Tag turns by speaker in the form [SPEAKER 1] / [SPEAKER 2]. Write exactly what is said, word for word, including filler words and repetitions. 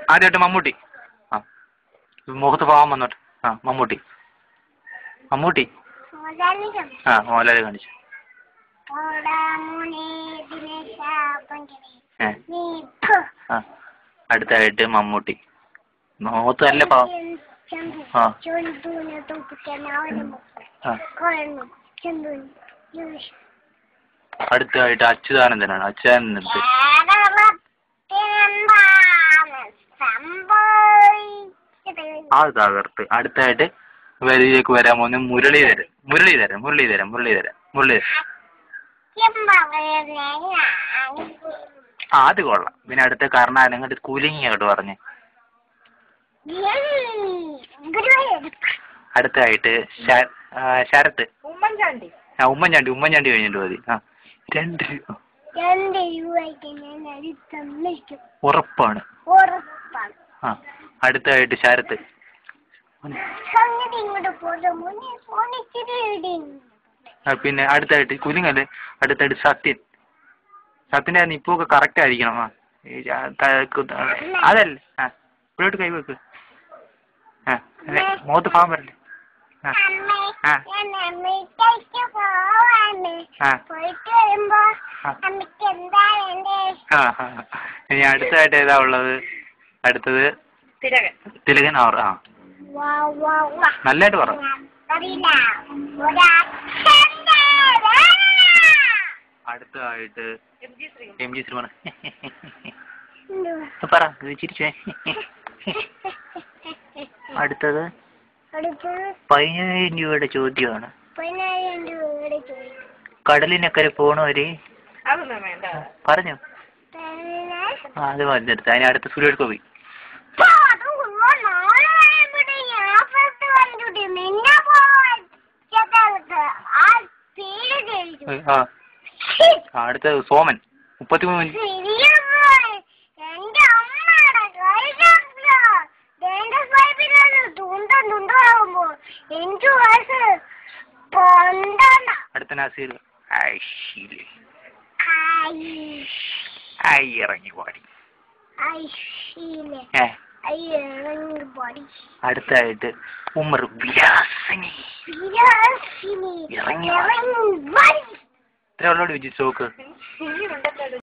[SPEAKER 1] ആദ്യമായിട്ട് മമ്മൂട്ടി. ആ മുഖത്ത് പാവം വന്നോട്ടെ. ആ മമ്മൂട്ടി മമ്മൂട്ടി ആ മോഹൻലാൽ കാണിച്ചു. ആ അടുത്തായിട്ട് മമ്മൂട്ടി മുഖത്ത് നല്ല പാവം. ആ അടുത്തായിട്ട് അച്യുതാനന്ദനാണ്. അച്യുതാനന്ദൻ ആ തകർത്ത്. അടുത്തായിട്ട് വരിയിലേക്ക് വരാൻ പോകുന്ന മുരളീധരൻ മുരളീധരൻ മുരളീധരൻ മുരളീധരൻ മുരളീധരൻ ആ അത് കൊള്ളാം. പിന്നെ അടുത്ത കർണാടക അങ്ങോട്ട് കൂലിങ് അങ്ങോട്ട് പറഞ്ഞ്. അടുത്തായിട്ട് ശരത്ത്
[SPEAKER 2] ഉമ്മൻചാണ്ടി
[SPEAKER 1] ആ ഉമ്മൻചാണ്ടി ഉമ്മൻചാണ്ടി കഴിഞ്ഞിട്ട് മതി. ആ രണ്ട് ഉറപ്പാണ്. ആ അടുത്തായിട്ട് ശരത്ത്. പിന്നെ അടുത്തായിട്ട് കുലിങ്ങല്ലേ. അടുത്തായിട്ട് സത്യൻ. സത്യൻ്റെ നിപ്പൊക്കെ കറക്റ്റ് ആയിരിക്കണം. ആ അതല്ലേ. ആ ഇവിടോട്ട് കൈവെക്ക്. ആ അല്ലെ മുഖത്ത് പാവം വരല്ലേ. ആ ആ ആ ആ ഇനി അടുത്തായിട്ട് ഏതാ ഉള്ളത്? അടുത്തത് തിലകൻ. അവർ ആ നല്ലതായിട്ട് പറ. അടുത്തതായിട്ട് എം ജി ശ്രീകുമാർ. പറ ചിരിച്ചേ. അടുത്തത് പതിനായിരം രൂപയുടെ ചോദ്യമാണ്. കടലിനക്കരെ പോണവര് പറഞ്ഞു. ആ അത് വന്നെടുത്ത്. അതിന് അടുത്ത സുരേഷ് ഗോപി. ആ അടുത്തത് സോമൻ. മുപ്പത്തിമൂന്ന് മിനിറ്റ്. അടുത്ത നസീർ. ഇറങ്ങി പാടി. അടുത്തായിട്ട് ഉമർ വിലാസിനി. ഇറങ്ങി ഇത്ര ഉള്ളോട് വിജയിച്ചു നോക്ക്.